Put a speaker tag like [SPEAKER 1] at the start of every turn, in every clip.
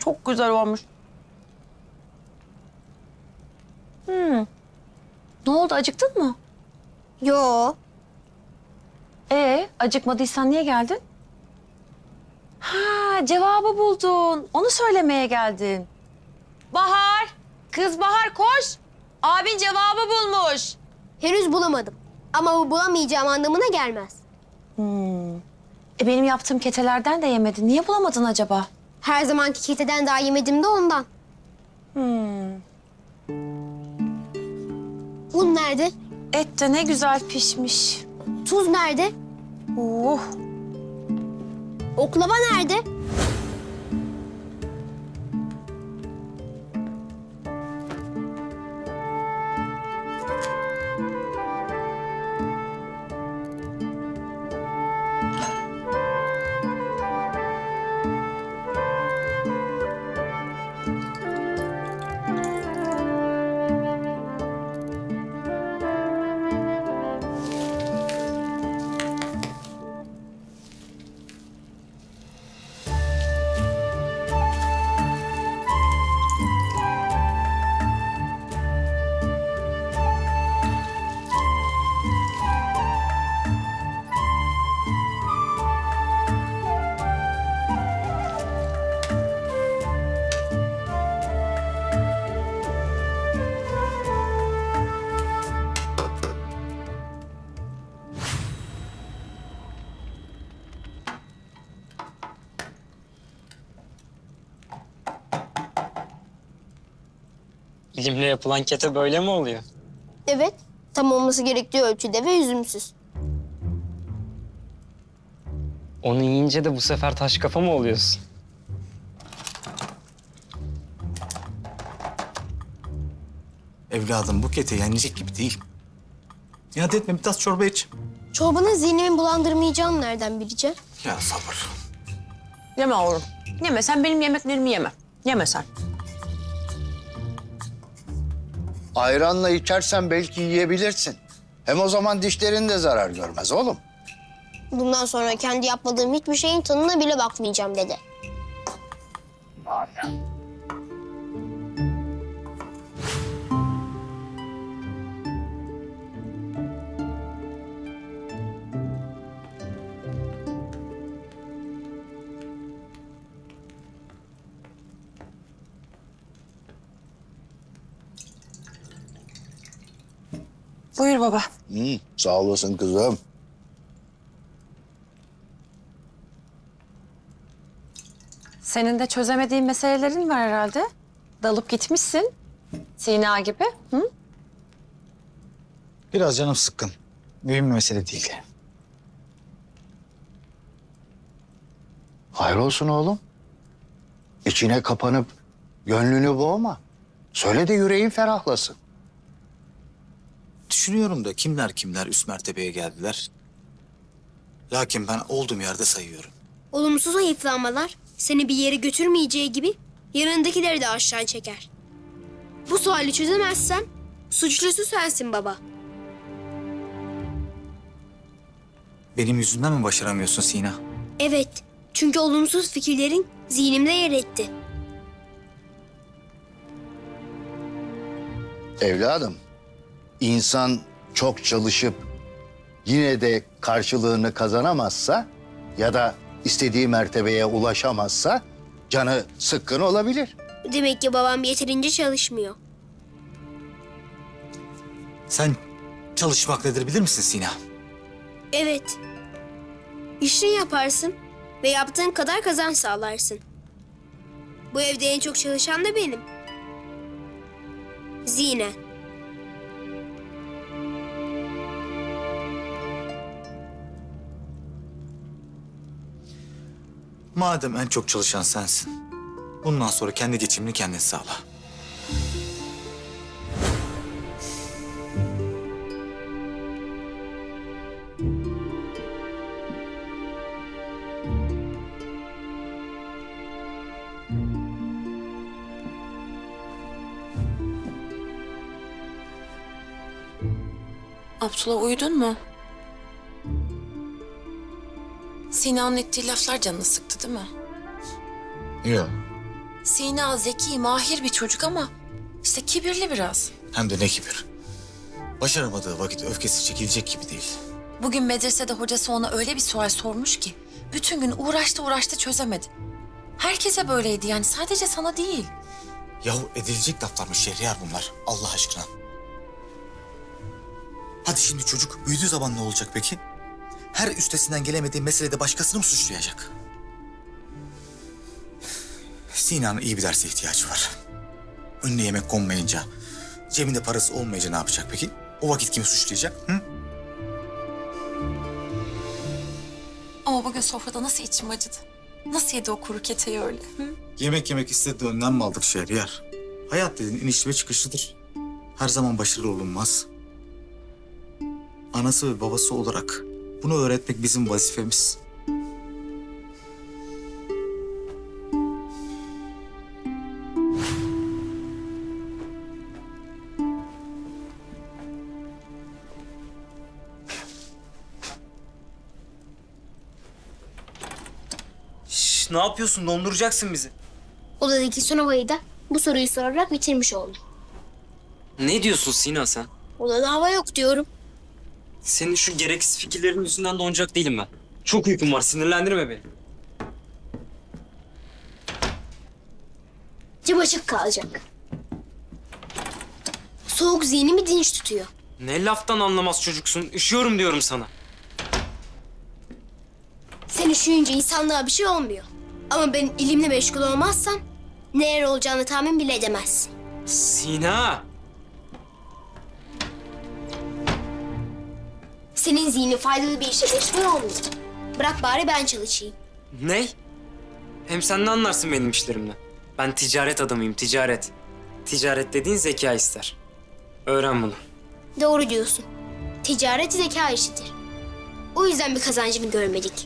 [SPEAKER 1] çok güzel olmuş. Ne oldu, acıktın mı?
[SPEAKER 2] Yo.
[SPEAKER 1] Acıkmadıysan niye geldin? Ha, cevabı buldun. Onu söylemeye geldin. Bahar, kız Bahar koş. Abin cevabı bulmuş.
[SPEAKER 2] Henüz bulamadım. Ama bu bulamayacağım anlamına gelmez.
[SPEAKER 1] Benim yaptığım ketelerden de yemedin. Niye bulamadın acaba?
[SPEAKER 2] Her zamanki keteden daha yemedim de ondan. Un nerede?
[SPEAKER 1] Et de ne güzel pişmiş.
[SPEAKER 2] Tuz nerede?
[SPEAKER 1] Oh.
[SPEAKER 2] Oklava nerede?
[SPEAKER 3] Dilimle yapılan kete böyle mi oluyor?
[SPEAKER 2] Evet. Tam olması gerektiği ölçüde ve üzümsüz.
[SPEAKER 3] Onu yiyince de bu sefer taş kafa mı oluyorsun?
[SPEAKER 4] Evladım bu kete yenecek gibi değil. İnat etme, bir tas çorba iç.
[SPEAKER 2] Çorbanın zihnimi bulandırmayacağını nereden bileceğim?
[SPEAKER 4] Ya sabır.
[SPEAKER 1] Yeme oğlum. Yeme, sen benim yemeklerimi yeme. Yeme sen.
[SPEAKER 5] Ayranla içersen belki yiyebilirsin. Hem o zaman dişlerin de zarar görmez oğlum.
[SPEAKER 2] Bundan sonra kendi yapmadığım hiçbir şeyin tadına bile bakmayacağım dedi.
[SPEAKER 1] Buyur baba.
[SPEAKER 5] Sağ olasın kızım.
[SPEAKER 1] Senin de çözemediğin meselelerin var herhalde. Dalıp gitmişsin. Sina gibi. Hı?
[SPEAKER 4] Biraz canım sıkkın. Mühim bir mesele değil.
[SPEAKER 5] Hayır olsun oğlum. İçine kapanıp gönlünü boğma. Söyle de yüreğin ferahlasın.
[SPEAKER 4] Düşünüyorum da kimler üst mertebeye geldiler. Lakin ben olduğum yerde sayıyorum.
[SPEAKER 2] Olumsuz hayıflanmalar seni bir yere götürmeyeceği gibi yanındakileri de aşağı çeker. Bu suali çözemezsen suçlusu sensin baba.
[SPEAKER 4] Benim yüzümden mi başaramıyorsun Sina?
[SPEAKER 2] Evet, çünkü olumsuz fikirlerin zihnimde yer etti.
[SPEAKER 5] Evladım, insan çok çalışıp yine de karşılığını kazanamazsa ya da istediği mertebeye ulaşamazsa canı sıkkın olabilir.
[SPEAKER 2] Demek ki babam yeterince çalışmıyor.
[SPEAKER 4] Sen çalışmak nedir bilir misin Sina?
[SPEAKER 2] Evet. İşini yaparsın ve yaptığın kadar kazanç sağlarsın. Bu evde en çok çalışan da benim. Zine.
[SPEAKER 4] Madem en çok çalışan sensin, bundan sonra kendi geçimini kendin sağla.
[SPEAKER 1] Abdullah, uyudun mu? Sina'nın ettiği laflar canını sıktı değil mi?
[SPEAKER 4] Yok.
[SPEAKER 6] Sina zeki, mahir bir çocuk ama işte kibirli biraz.
[SPEAKER 4] Hem de ne kibir. Başaramadığı vakit öfkesi çekilecek gibi değil.
[SPEAKER 6] Bugün medresede hocası ona öyle bir sual sormuş ki bütün gün uğraştı çözemedi. Herkese böyleydi yani, sadece sana değil.
[SPEAKER 4] Yahu edilecek laflarmış Şehriyar bunlar Allah aşkına. Hadi şimdi çocuk büyüdüğü zaman ne olacak peki? Her üstesinden gelemediği meselede başkasını mı suçlayacak? Sina'nın iyi bir derse ihtiyacı var. Önüne yemek konmayınca, cebinde parası olmayınca ne yapacak peki? O vakit kimi suçlayacak? Hı?
[SPEAKER 6] Ama bugün sofrada nasıl içim acıdı. Nasıl yedi o kuru keteyi öyle? Hı?
[SPEAKER 4] Yemek istediği önlem mi aldık Şehriyar? Hayat dediğin iniş ve çıkışlıdır. Her zaman başarılı olunmaz. Anası ve babası olarak bunu öğretmek bizim vazifemiz.
[SPEAKER 3] Şş, ne yapıyorsun? Donduracaksın bizi.
[SPEAKER 2] Odadaki sınavayı da bu soruyu sorarak bitirmiş oldum.
[SPEAKER 3] Ne diyorsun Sina sen?
[SPEAKER 2] Odada hava yok diyorum.
[SPEAKER 3] Senin şu gereksiz fikirlerin yüzünden donacak değilim ben. Çok uykum var, sinirlendirme beni.
[SPEAKER 2] Cam açık kalacak. Soğuk zihnimi dinç tutuyor.
[SPEAKER 3] Ne laftan anlamaz çocuksun. Üşüyorum diyorum sana.
[SPEAKER 2] Sen üşüyünce insanlığa bir şey olmuyor. Ama ben ilimle meşgul olmazsam neler olacağını tahmin bile edemezsin.
[SPEAKER 3] Sina!
[SPEAKER 2] Senin zihnin faydalı bir işe meşgul olmuyor. Bırak bari ben çalışayım.
[SPEAKER 3] Ne? Hem sen ne anlarsın benim işlerimden? Ben ticaret adamıyım, ticaret. Ticaret dediğin zeka ister. Öğren bunu.
[SPEAKER 2] Doğru diyorsun. Ticaret zeka işidir. O yüzden bir kazancını görmedik.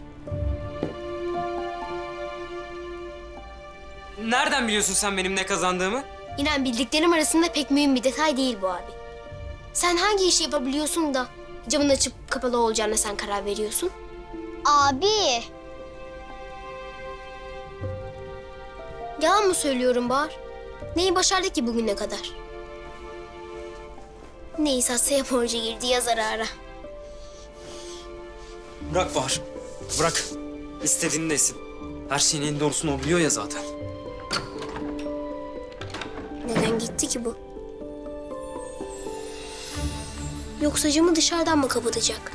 [SPEAKER 3] Nereden biliyorsun sen benim ne kazandığımı?
[SPEAKER 2] İnan bildiklerim arasında pek mühim bir detay değil bu abi. Sen hangi işi yapabiliyorsun da camın açıp kapalı olacağına sen karar veriyorsun? Abi. Yalan mı söylüyorum Bahar? Neyi başardık ki bugüne kadar? Neyse Asya'ya borcu girdi yazar ara.
[SPEAKER 3] Bırak Bahar. Bırak. İstediğini desin. Her şeyin en doğrusunu o biliyor ya zaten.
[SPEAKER 2] Neden gitti ki bu? Yoksa camı dışarıdan mı kapatacak?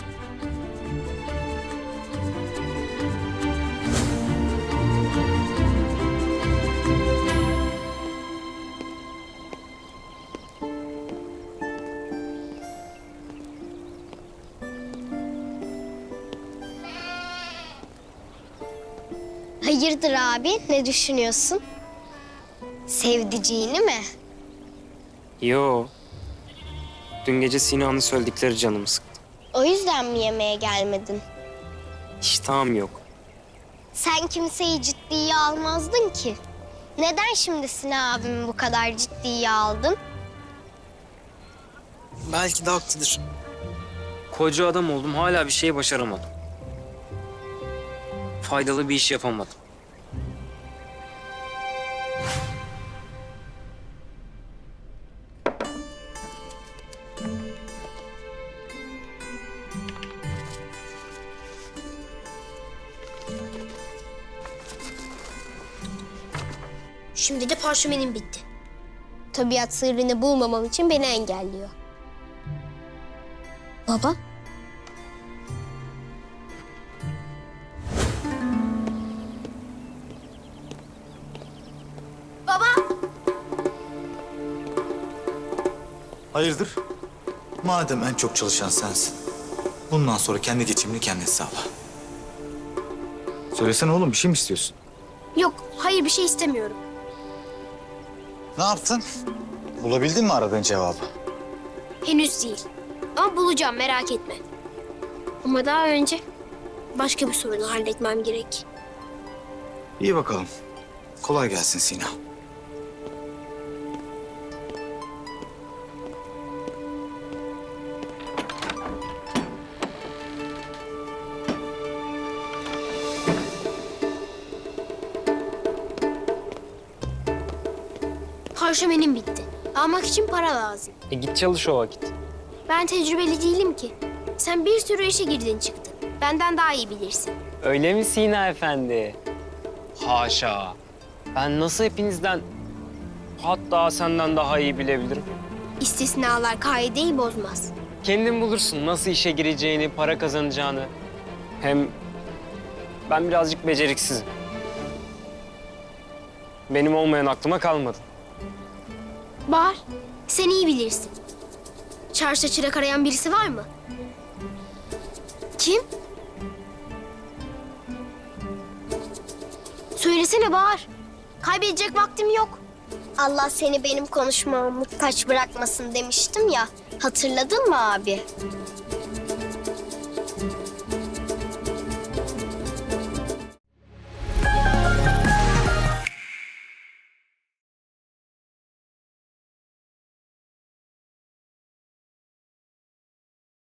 [SPEAKER 7] Hayırdır abi? Ne düşünüyorsun? Sevdiceğini mi?
[SPEAKER 3] Yo. Dün gece Sina'nın söyledikleri canımı sıktı.
[SPEAKER 7] O yüzden mi yemeğe gelmedin?
[SPEAKER 3] İştahım yok.
[SPEAKER 7] Sen kimseyi ciddiye almazdın ki. Neden şimdi Sinan abimi bu kadar ciddiye aldın?
[SPEAKER 3] Belki de haklıdır. Koca adam oldum, hala bir şey başaramadım. Faydalı bir iş yapamadım.
[SPEAKER 2] Şimdi de parşömenim bitti. Tabiat sırrını bulmamam için beni engelliyor. Baba?
[SPEAKER 4] Hayırdır? Madem en çok çalışan sensin, bundan sonra kendi geçimini kendin sağla. Söylesene oğlum, bir şey mi istiyorsun?
[SPEAKER 2] Yok, hayır bir şey istemiyorum.
[SPEAKER 4] Ne yaptın? Bulabildin mi aradığın cevabı?
[SPEAKER 2] Henüz değil. Ama bulacağım, merak etme. Ama daha önce başka bir sorunu halletmem gerek.
[SPEAKER 4] İyi bakalım. Kolay gelsin Sina.
[SPEAKER 2] Parşömenim bitti. Almak için para lazım.
[SPEAKER 3] Git çalış o vakit.
[SPEAKER 2] Ben tecrübeli değilim ki. Sen bir sürü işe girdin çıktın. Benden daha iyi bilirsin.
[SPEAKER 3] Öyle mi Sina Efendi? Haşa. Ben nasıl hepinizden, hatta senden daha iyi bilebilirim?
[SPEAKER 2] İstisnalar kaideyi bozmaz.
[SPEAKER 3] Kendin bulursun nasıl işe gireceğini, para kazanacağını. Hem ben birazcık beceriksizim. Benim olmayan aklıma kalmadı.
[SPEAKER 2] Bahar, sen iyi bilirsin. Çarşıda çırak arayan birisi var mı? Kim? Söylesene Bahar. Kaybedecek vaktim yok.
[SPEAKER 7] Allah seni benim konuşmama muhtaç bırakmasın demiştim ya. Hatırladın mı abi?